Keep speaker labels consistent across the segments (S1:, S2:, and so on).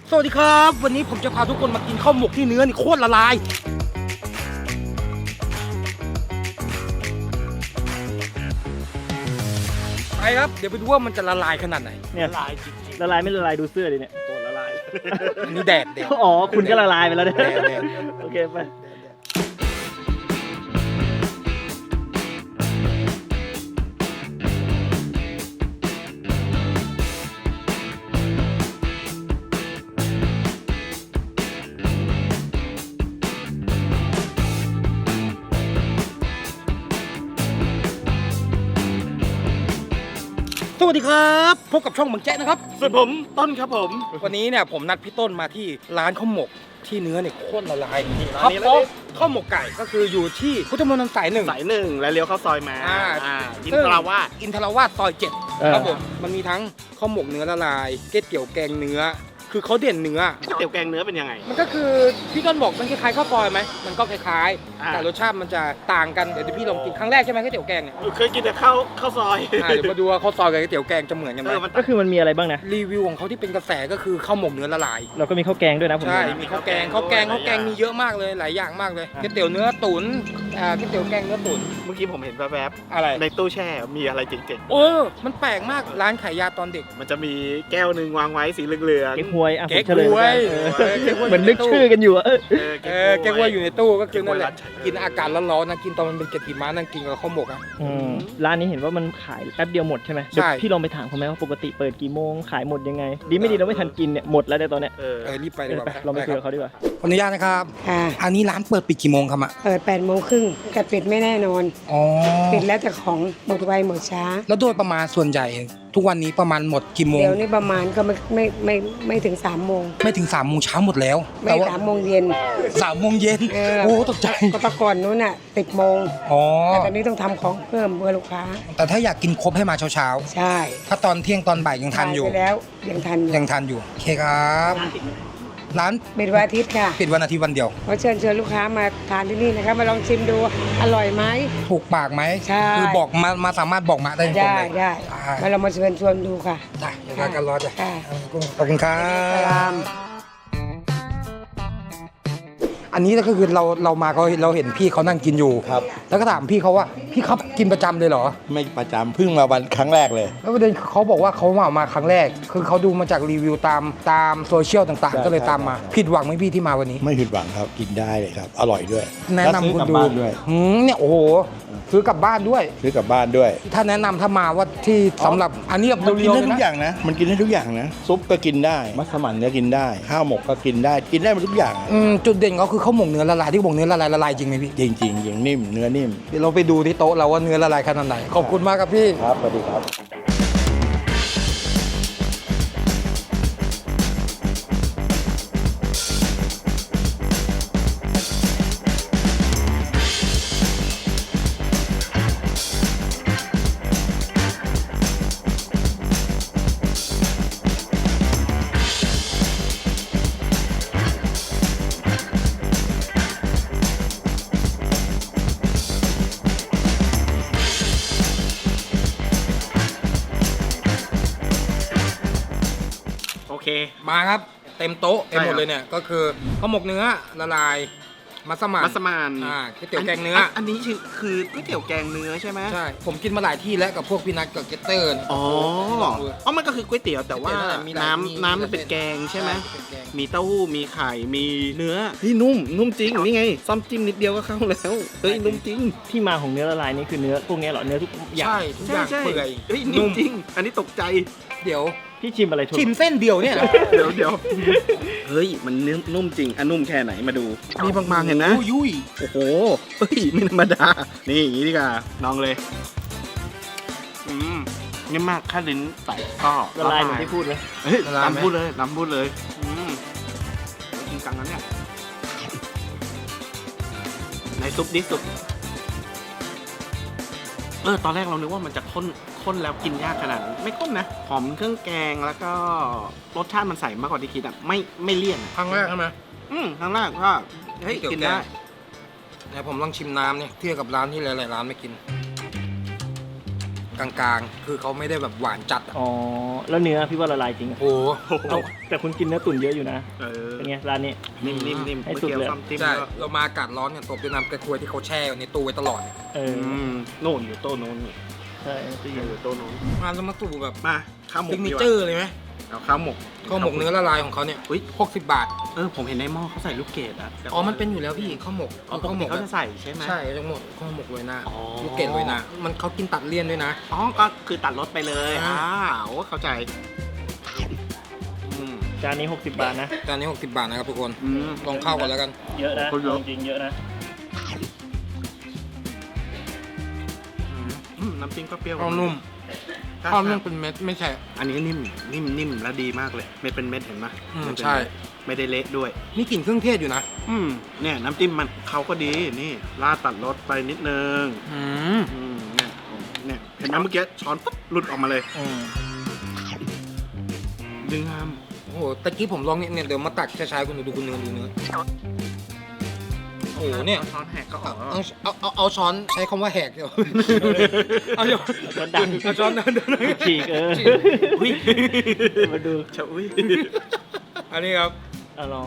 S1: สวัสดีครับวันนี้ผมจะพาทุกคนมากินข้าวหมกที่เนื้อนี่โคตรละลายไปครับเดี๋ยวไปดูว่ามันจะละลายขนาดไหน
S2: เนี่ยละลายจริงละลายไม่ละลายดูเสื้อดิเนี่ย
S1: ตัวละลายอันนี้แดด
S2: อ๋อคุณก็ละลายไปแล้วเนี่ย
S1: แดด
S2: โอเคไป
S1: สวัสดีครับพบกับช่องเมืองแจ๊ะนะครับ
S2: ส่วนผมต้นครับผม
S1: วันนี้เนี่ยผมนัดพี่ต้นมาที่ร้านข้าวหมกที่เนื้อเนี่ยโคตรละลาย
S2: ร้าน
S1: ครับ
S2: นี้
S1: เพราะข้าวหมกไก่ก็คืออยู่ที่พุทธมณฑลสายหนึ่ง
S2: สายหนึ่งแล้วเลี้ยวเข้าซอยมา อิน
S1: ซึ่ง
S2: ทราวาส
S1: อินทราวาสซอย7ครับผมมันมีทั้งข้าวหมกเนื้อละลายก๋วยเตี๋ยวแกงเนื้อคือเขาเด่นเนื้อ
S2: ก๋วยเตี๋ยวแกงเนื้อเป็นยังไง
S1: มันก็คือพี่ต้นบอกมันคล้ายๆข้าวซอยไหมมันก็คล้ายๆแต่รสชาติมันจะต่างกันเดี๋ยวพี่ลองกินครั้งแรกใช่ไหมก๋วยเตี๋ยวแกงเนี่ย
S2: เคยกินแต่ข้าวซอย
S1: เดี๋ยวมาดูว่าข้าวซอยกับก๋วยเตี๋ยวแกงจะเหมือนกันไหม
S2: ก็คือมันมีอะไรบ้างนะ
S1: รีวิวของเขาที่เป็นกระแสก็คือข้าวหมกเนื้อละลาย
S2: เราก็มีข้าวแกงด้วยนะผม
S1: ใช่
S2: ดูนะ
S1: มีข้าวแกงมีเยอะมากเลยหลายอย่างมากเลยก๋วยเตี๋ยวเนื้อตุ๋นก๋วยเตี๋ยวแกงเนื้อตุ๋น
S2: เมื่อกี้ผมเห็นแวบ
S1: อะไร
S2: ๆในตู้แช่มีอะไรเจ๋ง
S1: มันแปลกมากร้านขายยาตอนเด็ก
S2: ๆมันจะมีแก้วหนึ่งวางไว้สีเหลืองๆ
S3: เก๊กฮวยอ่ะผม
S1: เก๊ก
S3: เฉลย
S1: ฮวย
S3: เหมือนนึกชื่อกันอยู่อะ
S1: แกงว่าอยู่ในตู้ก็คือนั่นแหละ
S2: เก๊กฮวยร้านฉัน
S1: กินอากาศร้อนๆนะกินตอนมันเป็นเกล็ดหิมะนั่งกินกับข้าวหมกอ่ะ
S3: ร้านนี้เห็นว่ามันขายแป๊บเดียวหมดใช่ไหม
S1: ใช่
S3: เดี๋ยวพี่ลองไปถามเขาไหมว่าปกติเปิดกี่โมงขายหมดยังไง ดีไม่ดีเราไม่ทันกินเนี่ยหมดแล้วในตอนเนี้ย
S1: รีบไปดีกว่า
S3: ไปเราไปคุยกับเขาดีกว่า
S1: ขออนุญาตนะครับ
S4: ค่ะ
S1: อันนี้ร้านเปิดปิดกี่โมงครับอ่ะ
S4: เปิด8 โมงครึ่งแต่ปิดไม่แน่นอน
S1: อ๋อ
S4: ปิดแล้วแต่ของหมดไวหมดช้า
S1: แล้วโดยประมาณส่วนใหญ่ทุกวันนี้ประมาณหมดกี่โมง
S4: เดี๋ยวนี้ประมาณก็ไม่ถึง3 โมง
S1: ไม่ถึง3 โมงเช้าหมดแล้ว
S4: ไม่
S1: แต่ว่า
S4: 3 โมงเย็น
S1: 3 โมงเย็น
S4: เออ
S1: โอ้ตกใจ
S4: ก็แตะก่อนนู้นน่ะ10 โมง
S1: อ๋อ
S4: แต่ตอนนี้ต้องทำของเพิ่มเพื่อลูกค้า
S1: แต่ถ้าอยากกินครบให้มาเช้า
S4: ใช่
S1: ๆถ้าตอนเที่ยงตอนบ่ายยังทันอยู่
S4: ไปแล้วยังทันอยู่
S1: ยังทันอยู่โอเคครับร้าน
S4: ปิดวันอาทิตย์ค่ะ
S1: ปิดวันอาทิตย์วันเดียว
S4: ขอเชิญลูกค้ามาทานที่นี่นะครับมาลองชิมดูอร่อยไหม
S1: ถูกปากไหม
S4: ใช่
S1: คือบอกมาสามารถบอกมาได้ตรง
S4: ได้
S1: เลย
S4: ได้มาลองมาเชิญชวนดูค่ะ
S1: ได้เดี๋ยวพากันรอจ้ะ
S4: ค่ะ
S1: ขอบคุณครั
S4: สลา
S1: บ
S4: ม
S1: อันนี้ก็คือเรามาเราเห็นพี่เขานั่งกินอยู่
S5: ครับ
S1: แล้วก็ถามพี่เขาว่าพี่ครับกินประจำเลยเหรอ
S5: ไม่ประจำเพิ่งมาวันครั้งแรกเลย
S1: แล้วประเด็นเขาบอกว่าเขามาครั้งแรก คือเขาดูมาจากรีวิวตามโซเชียลต่าง
S5: ใช่
S1: ๆ ก็เลยตามมา
S5: ใช่
S1: ผิดหวังไหมพี่ที่มาวันนี้
S5: ไม่ผิดหวังครับกินได้เลยครับ อร่อยด้วย
S1: แนะนำคุณ
S5: แล้ว
S1: ดู
S5: ซื้อกลับบ้านด้วย
S1: เนี่ยโอ้โหซื้อกลับบ้านด้วย
S5: ซื้อกลับบ้านด้วย
S1: ถ้าแนะนำถ้ามาว่าที่สำหรับอันนี้แบบ
S5: มันกิน
S1: เรียวๆ
S5: ได้
S1: เลย
S5: ทุกอ
S1: นะ
S5: ย่างนะ มันกินได้ทุกอย่างนะ ซุปก็กินได้ มัสมั่นก็กินได้ ข้าวหมกก็กินได้ กินได้หมดทุกอย่าง
S1: จุดเด่นเขาคือข้าวหมกเนื้อละลายที่บอกเนื้อละลายจริงไหมพี่
S5: จริงๆอย่างนิ่ม เนื้อนิ่ม
S1: เดี๋ยวเราไปดูที่โต๊ะเราว่าเนื้อละลายขนาดไหนขอบคุณมากครับพี่
S5: ครับสวัสดีครับ
S2: โอเค
S1: มาครับเต็มโต๊ะเต็มหมด
S2: ใช่ครับ
S1: เลยเนี่ยก็คือข้าวหมกเนื้อละลายมัสมั่น
S2: มัสมั่น
S1: ก๋วยเตี๋ยวแกงเนื้อ
S2: อันนี้คือก๋วยเตี๋ยวแกงเนื้อใช่ไหม
S1: ใช่ผมกินมาหลายที่แล้วกับพวกพี่นัทกับเกตเตอร์
S2: อ๋อมันก็คือก๋วยเตี๋ยวแต่ว่า
S1: ก๋วยเตี๋ยวนั่นแหละมีหลายมี
S2: น้ำมันเป็นแกงใช่ไหม
S1: เป็นแกง
S2: มีเต้าหู้ มีไข่ มีเนื้อนี่นุ่มจริง นี่ไงซ่อมจิ้มนิดเดียวก็เข้าแล้ว เฮ้ย นุ่มจริง
S3: ที่มาของเนื้อละลายนี่คือเนื้อพวกเนี้ยเหรอเนื้อทุกอย่าง
S1: ใช่ทุกอย่างเปื่อย
S2: เฮ้ยนุ่มจริง อันนี้ตกใจ
S1: เดี๋ยว
S3: พี่ชิมอะไรถูก
S1: ชิมเส้นเดียวเนี่ยนะ
S2: เดี๋ยวเฮ้ย มันเนื้อนุ่มจริงอ่ะนุ่มแค่ไหนมาดู มีบางๆเห็นนะ
S1: ยุ่ย
S2: โอ้โห เฮ้ย ไม่ธรรมดา นี่อย่างนี้ดีกว่าลองเลยนี่มากค่าลิ้นใส่ก็
S3: ละลายเหมือนที่พูดเลย
S2: เฮ้ยลำพูดเลยจริงจังนั้นเนี่ยในซุปดิซุปตอนแรกเรานึกว่ามันจะข้นแล้วกินยากขนาดนั้นไม่ข้นนะหอมเครื่องแกงแล้วก็รสชาติมันใส่มากกว่าที่คิดอ่ะไม่เลี่ยน
S1: ครั้งแรกใช่ไหม
S2: ครั้งแรกก็เฮ้ยกินได้
S1: เดี๋ยวผมลองชิมน้ำเนี่ยเทียบกับร้านที่หลายๆร้านไม่กินกลางๆ คือเขาไม่ได้แบบหวานจัดอะ
S3: อ๋อแล้วเนื้อพี่ว่าละลายจริงอะ
S1: โอ้โห
S3: เอาแต่คุณกินเนื้อตุ๋นเยอะอยู่นะ เป็นไงร้านนี้
S2: นิ่มๆ
S3: ให้
S2: เมื่อ
S3: สุด
S2: กี้
S3: เลย
S2: ซ้ำจิ้ม
S1: ใช่
S2: ก็
S1: เรามาอากาศร้อนเนี่ยตบด้วยน้ำกระทวยที่เขาแช่อยู่ในตู้ไว้ตลอดเนี่ย
S3: เออ
S2: โน่นอยู่โต๊ะโน้น
S3: ใช่ตู้เย็น
S2: อยู่โต๊ะโน้น
S1: มาแล้วมาสู่แบบ
S2: มาข้าวหมก
S1: ซิกเน
S2: ดีก
S1: เจ
S2: ว่า
S1: อร์เลยไหม
S2: เอาข้าวหมก
S1: ข้าวหมกเนื้อละลายของเขาเนี่ย
S2: อุ๊ย
S1: 60 บาท
S2: ผมเห็นในหม้อเขาใส่ลูกเกดอ่ะ
S1: อ๋อมันเป็นอยู่แล้วพี่ข้าวหมก
S2: อ๋อปกติเขาจะใส่ใช่ไหม
S1: ใช่ทั้งหมดข้าวหมกเลยนะ
S2: อ๋อ
S1: ลูกเกดเลยนะมันเขากินตัดเลี่ยนด้วยนะ
S2: อ๋อก็คือตัดรสไปเลย
S1: อ่า
S2: โอ้เข้าใจอืม
S3: จานนี้60 บาทนะ
S1: จานนี้60 บาทนะครับทุกคน
S2: อืม
S1: ลองเข้ากันแล้วกัน
S3: เยอะนะ
S2: คนเยอะ
S3: จริงๆเยอะนะ
S2: น้ำจิ้มก็เปรี้ยว
S1: ข้าวนุ่ม
S2: ถ้า
S1: ข้าวนุ่มเป็นเม็ดไม่ใช่
S2: อันนี้นิ่มและดีมากเลยเม็ดเป็นเม็ดเห็นไหม
S1: อืม
S2: มันเป็น
S1: ใช่
S2: ไม่ได้เละด้วย
S1: นี่กลิ่นเครื่องเทศอยู่นะ
S2: เนี่ยน้ำจิ้มมันเขาก็ดีนี่ราดตัดรสไปนิดนึง
S1: อืม
S2: เนี่ยเห็นไหมเมื่อกี้ช้อนปุ๊บหลุดออกมาเลย
S3: อืม
S2: ดึงงาม
S1: โอ้โหตะกี้ผมลองเนี่ยเดี๋ยวมาตักช้าๆคุณดูคุณเนื้อดูเนื้อโอ้โหเนี่ย
S2: ช้อนแหกก็ออกแล้ว
S1: เอาช้อนใช้คำว่าแหกเดี๋ยวเอาเดี๋ยว
S3: ช้อนดัง
S1: เอาช้อนนั้น
S3: ฉีก
S1: ฉีก
S2: อุ้ย
S3: มาดู
S2: ชะอุ้ย
S1: อันนี้ครับ
S3: เอาลอง
S1: ดู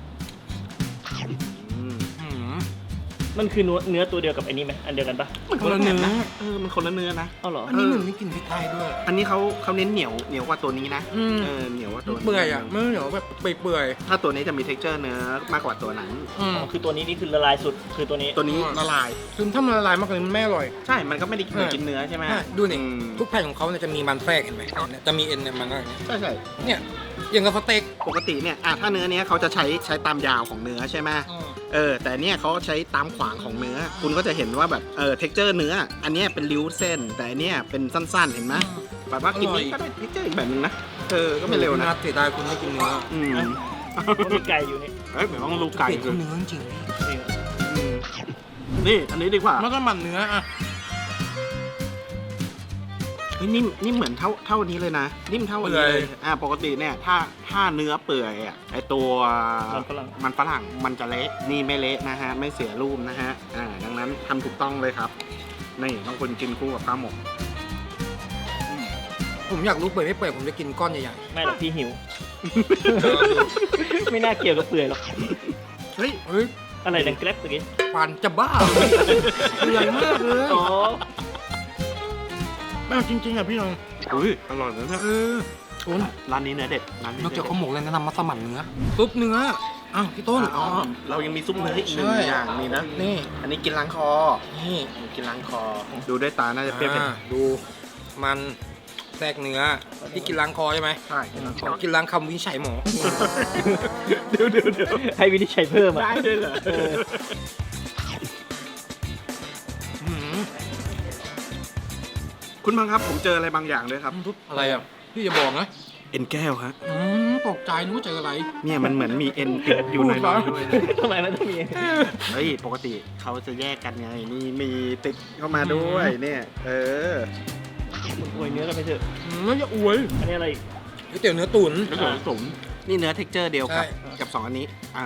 S2: อืม
S1: อืม
S3: มันคือเนื้อตัวเดียวกับไอ้นี่ไหมอันเดียวกันปะ
S2: มันคนละเนื้อมันคนละเนื้อนะ
S3: เอาเหรอ
S1: อันนี้เหมือนมีกลิ่นพริกไทยด้วย
S2: อันนี้เขาเน้นเหนียวกว่าตัวนี้นะ
S1: อืม
S2: เหนียวกว่าตัวนี้
S1: เปื่อยอ่ะไม่เหนียวแบบเปื่อย
S2: ถ้าตัวนี้จะมี texture เนื้อมากกว่าตัวนั้น
S1: ๆอืม
S3: อ๋อคือตัวนี้นี่คือละลายสุดคือตัวนี้
S2: ตัวนี้ละลาย
S1: คือถ้ามันละลายมากกว่านี้มันไม่อร่อย
S2: ใช่ มันก็ไม่ได้เหมือนกินเนื้อใช่ไหม
S1: ใช่ดูนี่
S2: อืม
S1: ทุกแผ่นของเขาเนี่ยจะมีมันแทรกเห็นไหมเนี่ยจะมีเอ็นเนี่ยมันก็อย่างเงี้ย
S2: ใช่ใช่
S1: เนี่ยอย่างกับสเต็ก
S2: ปกติเนี่ยถ้าเนื้อเนี้ยเขาจะใช้ตามยาวของเนื้อใช่ไหมแต่เนี่ยเขาใช้ตามขวางของเนื้อ คุณก็จะเห็นว่าแบบtexture เนื้อ อันเนี้ยเป็นริ้วเส้น แต่อันเนี้ยเป็นสั้นๆ เห็นไหมแบบว่ากินนี้ก็ได้ texture อีกแบบนึงนะ ก็ไม่เร็วนะ
S1: เสียดายคุณไม่กินเนื้อ
S2: อืม
S3: มันมีไก่อยู่นี่
S2: เฮ้ยเหมือนต้องรูไก่
S1: เปลี่ยน
S2: คือ
S1: เนื้อจริง
S2: อืมนี่อันนี้ดีกว่า
S1: แล้วก็มันเนื้ออ่ะ
S2: เฮ้ยนิ่มเหมือนเท่านี้เลยนะ นิ่มเท่าอันนี้เลยปกติเนี่ยถ้าเนื้อเปื่อยอ่ะไอตัวมันฝรั่งมันจะเละนี่ไม่เละนะฮะไม่เสียรูปนะฮะดังนั้นทำถูกต้องเลยครับนี่ต้องคนกินคู่กับข้าวหมก
S1: ผมอยากรู้เปื่อยไม่เปื่อยผมจะกินก้อนใหญ่
S3: ไม่หรอกพี่หิว ไม่น่าเกี่ยวกับเปื่อยหรอก
S2: เฮ้ย
S1: ๆเฮ้ย
S3: อะไรดังแกร็บเมื่อกี้
S1: ฟันจะบ้าเปื่อยมากเลย
S3: อ๋อ
S1: ไม่จริงๆอ่ะพี่น้อง
S2: อุ้ยอร่อยนะเนี่ย
S1: คุณ
S2: ร้านนี้เนื้อเด็ดร้านนี้
S1: นอกจากข้าวหมกแล้วแนะนำมัสมั่นเนื้อซุปเนื้ออ้าวพี่ต้น
S2: อ๋อเรายังมีซุปเนื้ออีกหนึ่ง
S1: ใช่
S2: อย่างนี่นะ
S1: นี่
S2: อันนี้กินล้างคอ
S1: นี่
S2: กินล้างคอ ดูด้วยตาน่าจะเปรี้ยว
S1: ดูมันแทรกเนื้อที่กินล้างคอใช่ไหม
S2: ใช่กินล้างคอ
S1: กินล้างคำวินิจฉัยหมอ
S2: เดี๋ยว
S3: ให้วินิจฉัยเพิ่มอ่ะ
S2: ได้ด้วยเหรอ
S1: หืม
S2: คุณบังครับผมเจออะไรบางอย่างด้วยครับ
S1: อะไรอ่ะพี่จะบอกนะ
S2: เอ็นแก้วฮะ
S1: ตกใจรู้เจออะไร
S2: เนี่ยมันเหมือนมีเอ็นติดอยู่ในน้อยๆด้วยนะ
S3: ทำไมมันต้องมี
S2: เฮ้ยปกติเขาจะแยกกันไงนี่มีติดเข้ามาด้วยเนี่ย
S3: อวยเนื้อกันไปเถอะ
S1: ไม่จะอวย
S3: อันนี้อะไรอีก
S1: ก๋วยเตี๋ยวเนื้อตุ๋น
S2: แล้วก็สมนี่เนื้อ texture เดียวกับ
S1: ใช่
S2: กับสองอันนี้อ้าว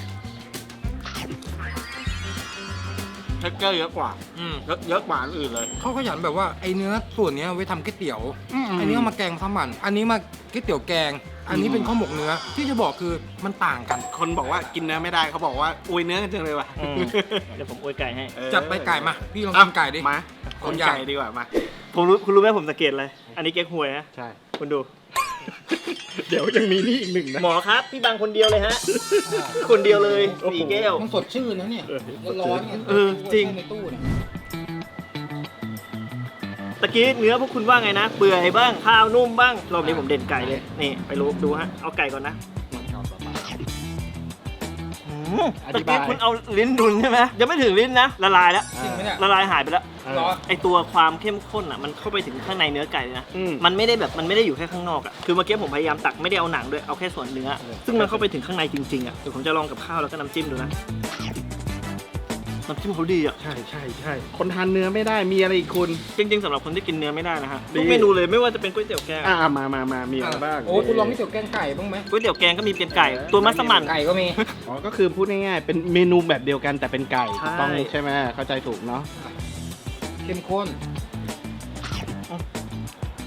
S2: texture เยอะกว่า
S1: อืม
S2: เยอะกว่าอันอื่นเลย
S1: เขาขยันแบบว่าไอ้เนื้อส่วนเนี้ยไว้ทำก๋วยเตี๋ยว อันนี้เอามาแกงมัสมั่นอันนี้มาก๋วยเตี๋ยวแกง อันนี้เป็นข้าวหมกเนื้อที่จะบอกคือมันต่างกัน
S2: คนบอกว่ากินเนื้อไม่ได้เขาบอกว่าอวยเนื้อกันจังเลยว่ะ
S3: อืมเดี๋ยวผมอวยไก่ให้
S1: จัดไปไก่มาพี่ลอง
S2: เอา
S1: กินไก่ดิ
S2: มาคนไก่ดีกว่ามา
S3: คุณรู้ไหมผมสังเกตอะไร อันนี้เก๊กฮวยฮะ
S2: ใช่
S3: คุณดู
S2: เดี๋ยวยังมีนี่อีกหนึ่งนะ
S3: หมอครับ พี่บางคนเดียวเลยฮะ คนเดียวเลย
S1: โอ้โห
S3: สี่แก้ว
S1: มันสดชื่นนะเนี่ยร้อนๆเนี่ย
S3: จริง
S1: ในตู้เนี่ย
S3: ตะกี้เนื้อพวกคุณว่าไงนะ เปื่อยบ้าง ข้าวนุ่มบ้าง รอบนี้ผมเด่นไก่เลย นี่ไปรู้ดูฮะ เอาไก่ก่อนนะตะกี้คุณเอาลิ้นดุนใช่ไหมยังไม่ถึงลิ้นนะ ละลายแล้ว
S1: จริงไหมเนี่ย
S3: ละลายหายไปแล้ว
S1: ร้อน
S3: ไอตัวความเข้มข้นอ่ะมันเข้าไปถึงข้างในเนื้อไก่เลยนะ
S2: อืม
S3: มันไม่ได้แบบมันไม่ได้อยู่แค่ข้างนอกอ่ะ คือเมื่อกี้ผมพยายามตักไม่ได้เอาหนังด้วย เอาแค่ส่วนเนื้อ ซึ่งมันเข้าไปถึงข้างในจริงๆอ่ะ เดี๋ยวผมจะลองกับข้าวแล้วก็น้ำจิ้มดูนะ น้ำจิ้มเขาดีอ่ะ
S2: ใช่คนทานเนื้อไม่ได้มีอะไรอีกคุณ
S3: จริงๆสำหรับคนที่กินเนื้อไม่ได้นะฮะ
S2: ดี
S3: ทุกเมนูเลยไม่ว่าจะเป็นก๋วยเตี๋ยวแกง
S2: มามีอะไรบ้าง
S1: โอ้คุณลองก๋วยเตี๋ยวแกงไก่บ้างไหม
S3: ก๋วยเตี๋ยวแกงก็มีเป็นไก่ ตัวมัสมั่น
S1: ไก่ก็มี
S2: อ๋อก็คือพูดง่ายๆเป็นเมนูแบบเดียวกันแต่เป็นไก่
S3: ใช่
S2: ถูกต้องใช่ไหมเข้าใจถูกเนาะ
S1: เข้มข้น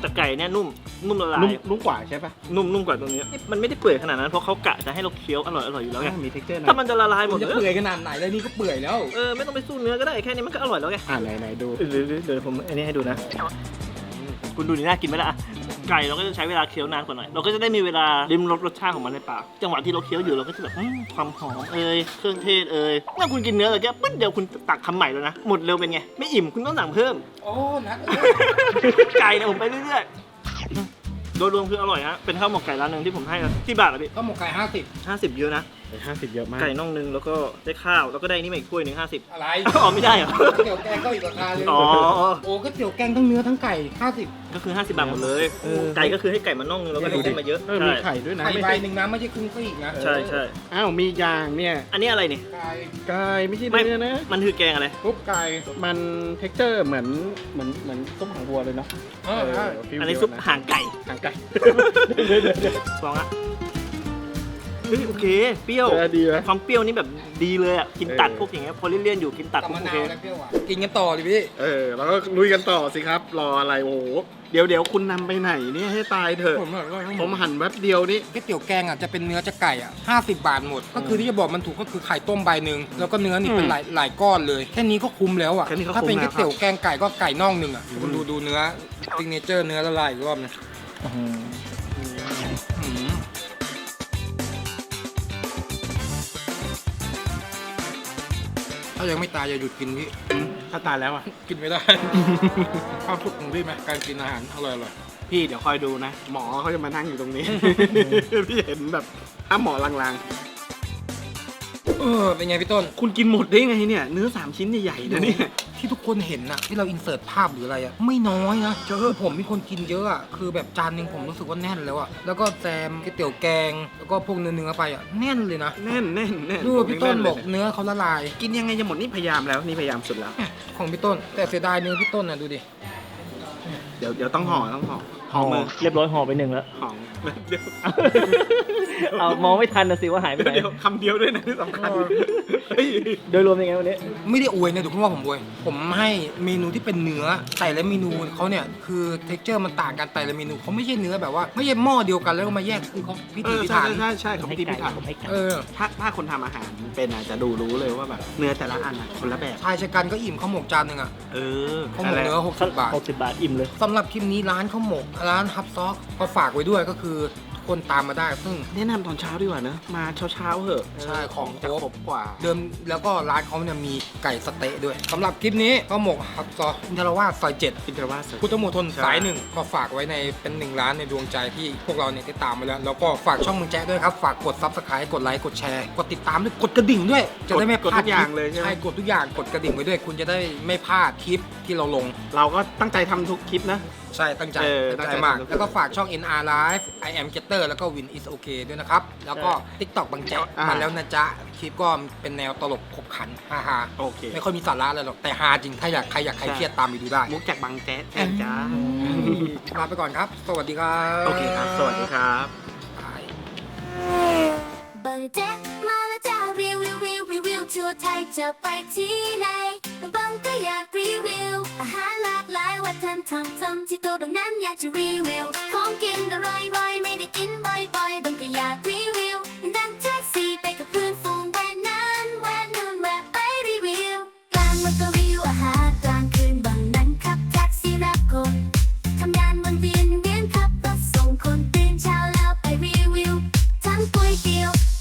S3: แต่ไก่เนี่ยนุ่มละลาย
S2: นุ่มกว่าใช่ปะ
S3: นุ่มกว่าตรงนี้มันไม่ได้เปื่อยขนาดนั้นเพราะเขากะจะให้เราเคี้ยวอร่อยอยู่แล้วไง
S2: มี texture นะ
S3: ถ้ามันจะละลายหม
S1: มั
S3: ด
S1: นจะ
S3: เลย
S1: เปื่อยขนาดไหนเลยนี่ก็เปื่อยแล้ว
S3: ไม่ต้องไปสู้เนื้อก็ได้แค่นี้มันก็อร่อยแล้วไง
S2: ไหนดู
S3: เดี๋ยวผมอันนี้ให้ดูนะคุณดูนี่น่ากินไหมล่ะไก่เราก็จะใช้เวลาเคี้ยวนานกว่าหน่อยเราก็จะได้มีเวลาลิ้มรสชาติของมันในปากจังหวะที่เราเคี้ยวอยู่เราก็จะแบบความหอมเครื่องเทศเมื่อคุณกินเนื้อเลยแค่ปึ๊ดเดียวคุณตักคำใหม่แล้วนะหมดเร็วเป็นไงไม่อิ่มคุณต้องสั่งเพิ่ม
S1: โอ้นัด
S3: ไก่เนี่ยผมไปเรื่อยๆโดยรวมคืออร่อยฮะเป็นข้าวหมกไก่ร้านหนึ่งที่ผมให้นะที่บาทละพี่
S1: ก็หมกไก่50
S3: 50เยอะนะ
S2: 50 เยอะมาก
S3: ไก่น่องนึงแล้วก็ได้ข้าวแล้วก็ได้นี่มาอีกถ้วยหนึ่ง50
S1: อะไร
S3: อ๋อไม่ได้เหรอ
S1: เตี๋ยวแกงก็อีกราคาเลย
S3: อ๋อ
S1: โอ้ก็เตี๋ยวแกงทั้งเนื้อทั้งไก่50
S3: ก็คือ50 บาทหมดเลยไก่ก็คือให้ไก่มาน่องนึงแล้วก็ได้เส้นมาเยอะ
S2: มี
S3: ใช่
S2: ไข่ด้วยนะ
S1: ไข่
S2: ไม่
S1: ใบ
S2: ใช่
S1: หนึ่งนะไม่ใช่ครึ่งซีกนะ
S3: ใช่ใช่
S2: อ้าวมียางเนี่ย
S3: อันนี้อะไรเนี่ย
S1: ไก่
S2: ไก่ไม่ใช่
S3: ไม่
S2: เนื้อนะ
S3: มันคือแกงอะไร
S2: ซุปไก่มัน texture เหมือนซุปหางวัวเลยเนาะ
S1: ใช่
S2: ฟีล
S3: อันนี้
S2: เดียว
S3: ซุป
S2: นะ
S3: หางไก่
S2: หางไก่
S3: ลองอ่ะเฮ้ยโอเคเปรี้ยว
S2: ดีไหม
S3: ความเปรี้ยวนี่แบบดีเลยอ่ะกินตัดพวกอย่างเงี้ยพอเลี่ยนๆอยู่กินตัด
S1: กับ
S3: พวก
S1: มะ
S3: โอ
S1: นา
S3: เคว
S1: และเปรี้ยวหวานกินกันต่อดิพี่
S2: แล้วก็ลุยกันต่อสิครับ รออะไรโอ้โหเดี๋ยวคุณนำไปไหนเนี่ยให้ตายเถอะ ผมหั่นแป๊บเดียวนี่
S1: ก๋วยเตี๋ยวแกงอ่ะจะเป็นเนื้อจะไก่อ่ะ50 บาทหมด ก็คือที่จะบอกมันถูกก็คือไข่ต้มใบหนึ่งแล้วก็เนื้อนี่เป็นหลายก้อนเลยแค่นี้ก็คุ้มแล้วอ่ะ
S2: แค่นี้ก็คุ้ม
S1: ถ้าเป็นก๋วย
S2: แล้วครับ
S1: เตี๋ยวแกงไก่ก็ไก่น่องหนึ่งอ่ะคุณดูเนื้อซิกเนเจอร์เนื้อละลายอีกรอบนะอืมถ้ายังไม่ตายอย่าหยุดกินพี่
S2: ถ้าตายแล้วอ่ะ
S1: กินไม่ได้ ความสุขของพี่ไหมการกินอาหารอร่อย
S2: พี่เดี๋ยวคอยดูนะ หมอเขาจะมานั่งอยู่ตรงนี้ พี่เห็นแบบถ้าหมอลาง
S1: เป็นไงพี่ต้น
S2: ๆ คุณกินหมดได้ไงเนี่ย เนื้อ3 ชิ้นใหญ่ๆนะเนี่ย
S1: ที่ทุกคนเห็นน่ะที่เราอินเสิร์ตภาพหรืออะไรอ่ะไม่น้อยนะคือผมมีคนกินเยอะอ่ะคือแบบจานหนึงผมรู้สึกว่าแน่นแล้วอ่ะแล้วก็แซมก๋วยเตี๋ยวแกงแล้วก็พวกเนื้อไปอ่ะแน่นเลยนะ
S2: แน่น
S1: ดูพี่ต้นบอกเนื้อเขาละลาย
S2: กินยังไงจะหมดนี่พยายามแล้วนี่พยายามสุดแล้ว
S1: ของพี่ต้น แต่เสียดายเนื้อพี่ต้นน่ะดูดิ
S2: เดี๋ยวต้องห่อห่อมือ
S3: เรียบร้อยห่อไป1แล้ว
S2: ห่อเดี๋ยว
S3: เอามองไม่ทันนะสิว่าหายไปไหน
S2: เดี๋ยวคำเดียวด้วยนะที่สำคัญเฮ้ย
S3: โดยรวมยังไงวันนี้
S1: ไม่ได้อวยนะทุกคนว่าผมอวยผมให้เมนูที่เป็นเนื้อแต่ละเมนูเขาเนี่ยคือเท็กเจอร์มันต่างกันแต่ละเมนูเขาไม่ใช่เนื้อแบบว่าไม่ใช่หม้อเดียวกันแล้วก็มาแยกคือเขาพิถีพิถัน
S2: ใช่ของพี่พิถัน ถ้าคนทำอาหารเป็นอาจจะดูรู้เลยว่าแบบเนื้อแต่ละอันคนละแบบ
S1: ชายชะกันก็อิ่มข้าวหมกจานหนึ่งอ่ะ ข้าวหมกเนื้อ60 บาท
S3: 60 บาทอิ่มเลย
S1: สำหรับคลิปนี้ร้านข้าวหมกร้านฮับซอกก็ฝากไว้ด้วยก็คือทุกคนตามมาได้ซึ่ง
S2: แนะนำตอนเช้าดีกว่านะมาเช้าเหอะ
S1: ใช่ของครบ
S2: จะครบกว่า
S1: เดิมแล้วก็ร้านเขาเนี่ยมีไก่สะเต๊ะด้วยสำหรับคลิปนี้ข้าวหมกฮับซอกอินทรวาสซอย7
S2: อินทรวาส
S1: พุทธมณฑล
S2: ใช่
S1: สายหนึ่งก็ฝากไว้ในเป็น1 ร้านในดวงใจที่พวกเราเนี่ยได้ตามมาแล้วแล้วก็ฝากช่องมึงแจ๊ะด้วยครับฝากกด Subscribe กดไลค์กดแชร์กดติดตามด้วยกดกระดิ่งด้วย จะได้ไม่พ
S2: กด
S1: ลา
S2: ทุ
S1: ด
S2: กอย่างเลยใช่ไหม
S1: ใช่กดทุกอย่างกดกระดิ่งไว้ด้วย คุณจะได้ไม่พลาดคลิปที่เราลง
S2: เราก็ตั้งใจทำทุกคลิปนะ
S1: ใช่ตั้งใจ
S2: ตั้งใจ
S1: มาก
S2: ทำ
S1: แล้วก็ฝากช่อง NR Live I am Getter แล้วก็ Win is okay ด้วยนะครับ แล้วก็ TikTok บางแจ๊ะมาแล้วนะจ๊ะ คลิปก็เป็นแนวตลกขบขันฮา
S2: โอเค
S1: ๆไม่ค่อยมีสาระอะไรหรอก แต่ฮาจริง ถ้าอยากใครเครียดตามไปดูได้
S2: มุกจากบางแจ๊สจ้า
S1: ลาไปก่อนครับ สวัสดีครับ
S2: โอเคครับ สวัสดีครับ
S1: บาย
S6: บางแจ๊กมาแล้วจ้ารีวิวทั่วไทยจะไปที่ไหนบางก็อยากรีวิวอาหารหลากหลายวัฒนธรรมที่ตัวบางนั้นอยากจะรีวิวของกินอร่อยๆไม่ได้กินบ่อยๆบางก็อยากรีวิว